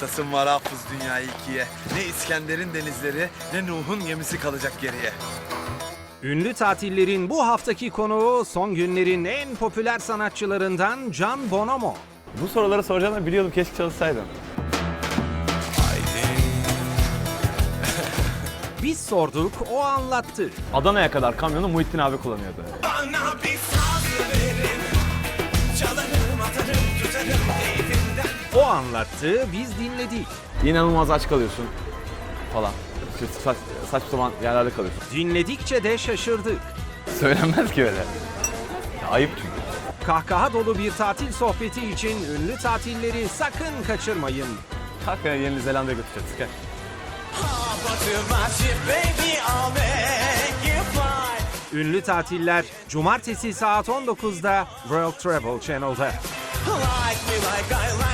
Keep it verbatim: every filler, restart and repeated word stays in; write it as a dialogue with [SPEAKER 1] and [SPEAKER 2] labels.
[SPEAKER 1] Kıstasın var hafız dünyayı ikiye. Ne İskender'in denizleri ne Nuh'un gemisi kalacak geriye.
[SPEAKER 2] Ünlü tatillerin bu haftaki konuğu son günlerin en popüler sanatçılarından Can Bonomo.
[SPEAKER 3] Bu soruları soracağını biliyordum, keşke çalışsaydım.
[SPEAKER 2] Biz sorduk, o anlattı.
[SPEAKER 3] Adana'ya kadar kamyonu Muhittin abi kullanıyordu.
[SPEAKER 1] Bana bir saz verin, çalarım atarım tutarım keyfimden.
[SPEAKER 2] O anlattı, biz dinledik.
[SPEAKER 3] İnanılmaz aç kalıyorsun falan. İşte saç, saçma sapan yerlerde kalıyorsun.
[SPEAKER 2] Dinledikçe de şaşırdık.
[SPEAKER 3] Söylenmez ki öyle. Ya, ayıp çünkü.
[SPEAKER 2] Kahkaha dolu bir tatil sohbeti için ünlü tatilleri sakın kaçırmayın.
[SPEAKER 3] Hakikaten Yeni Zelanda'ya götüreceğiz. Gel.
[SPEAKER 2] Ünlü tatiller Cumartesi saat on dokuzda World Travel Channel'da.
[SPEAKER 1] Like me like I like